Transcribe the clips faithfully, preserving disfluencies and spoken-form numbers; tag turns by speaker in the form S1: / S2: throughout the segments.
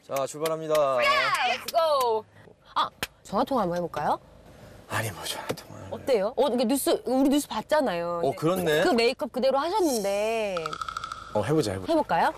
S1: 자, 출발합니다.
S2: Let's go. 아, 전화 통화 한번 해볼까요?
S1: 아니, 뭐 전화 통화.
S2: 어때요? 어, 이게 뉴스 우리 뉴스 봤잖아요.
S1: 어, 그렇네.
S2: 그 메이크업 그대로 하셨는데
S1: 어, 해보자, 해보자.
S2: 해볼까요?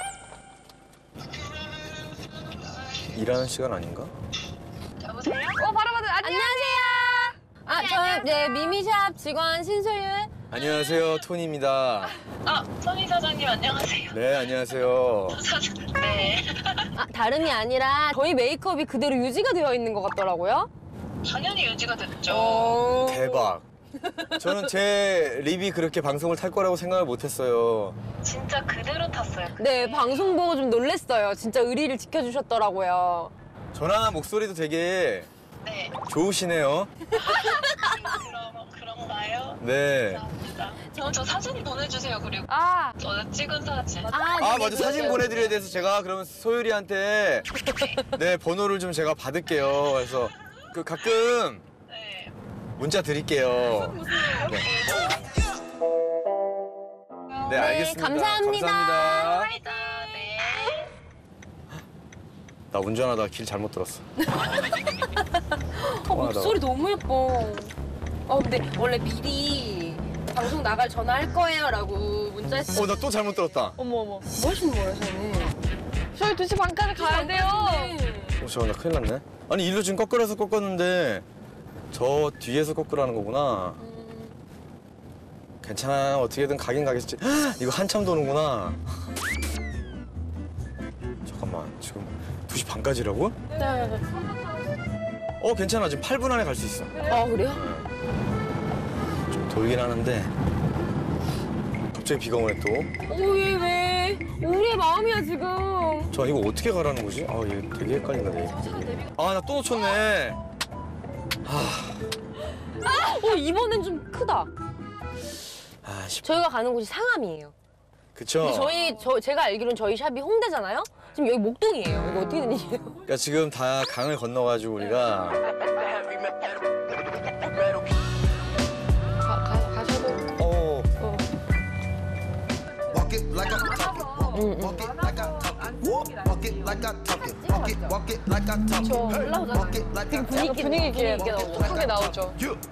S1: 일하는 시간 아닌가?
S3: 여보세요?
S2: 어, 바로 받은 안녕하세요. 아,
S3: 네,
S2: 저는 이제
S3: 안녕하세요.
S2: 미미샵 직원 신소윤.
S1: 안녕하세요, 토니입니다.
S3: 아, 선희 사장님 안녕하세요.
S1: 네, 안녕하세요.
S3: 사장, 네.
S2: 아, 다름이 아니라 저희 메이크업이 그대로 유지가 되어 있는 것 같더라고요.
S3: 당연히 유지가 됐죠.
S2: 어...
S1: 대박. 저는 제 립이 그렇게 방송을 탈 거라고 생각을 못했어요.
S3: 진짜 그대로 탔어요.
S2: 네, 방송 보고 좀 놀랬어요. 진짜 의리를 지켜주셨더라고요.
S1: 전화 목소리도 되게
S3: 네.
S1: 좋으시네요.
S3: 그럼, 그런가요?
S1: 네.
S3: 감사합니다. 저, 저 사진 보내주세요, 그리고.
S2: 아,
S3: 저 찍은 사진.
S2: 아,
S1: 아,
S2: 네,
S1: 맞아.
S2: 네,
S1: 사진
S2: 네.
S1: 보내드려야 돼서 제가 그러면 소율이한테 네, 번호를 좀 제가 받을게요. 그래서 그 가끔
S3: 네.
S1: 문자 드릴게요. 네. 네, 알겠습니다.
S2: 감사합니다.
S1: 감사합니다.
S3: 감사합니다. 네.
S1: 나 운전하다가 길 잘못 들었어.
S2: 어, 목소리 너무 예뻐. 어, 근데 원래 미리 방송 나갈 전화할 거예요라고 문자 했어.
S1: 어, 나 또 잘못 들었다.
S2: 어머 어머. 뭐 하시는 거예요, 저는? 저희 두 시 반까지 가야 돼요.
S1: 어, 잠깐, 나 큰일 났네. 아니, 일로 지금 꺾으라서 꺾었는데 저 뒤에서 꺾으라는 거구나. 괜찮아. 어떻게든 가긴 가겠지. 헉, 이거 한참 도는구나. 잠깐만, 지금 두 시 반까지라고?
S2: 네.
S1: 어, 괜찮아. 지금 팔 분 안에 갈 수 있어.
S2: 아, 그래요?
S1: 좀 돌긴 하는데 갑자기 비가 오네 또.
S2: 어, 왜, 왜? 우리의 마음이야, 지금.
S1: 저 이거 어떻게 가라는 거지? 아, 얘 되게 헷갈린다, 얘. 아, 나 또 놓쳤네.
S2: 어, 이번엔 좀 크다.
S1: 아, 씨.
S2: 저희가 가는 곳이 상암이에요.
S1: 그쵸?
S2: 근데 저희, 저, 제가 알기로는 저희 샵이 홍대잖아요? 지금 여기 목동이에요. 이거 어떻게 된 일이에요?
S1: 그러니까 지금 다 강을 건너가지고 우리가
S2: 가, 가, 가셔도.
S1: 어,
S2: 어.
S4: Walk it like I talk it.
S2: 응,
S4: Walk it like I talk it. Walk it like I talk it. Walk it, walk it like I talk it.
S2: 저 올라오잖아요.
S4: Walk it like I
S2: 분위기, 분위기 있게 나오죠. 크게 나오죠.
S4: You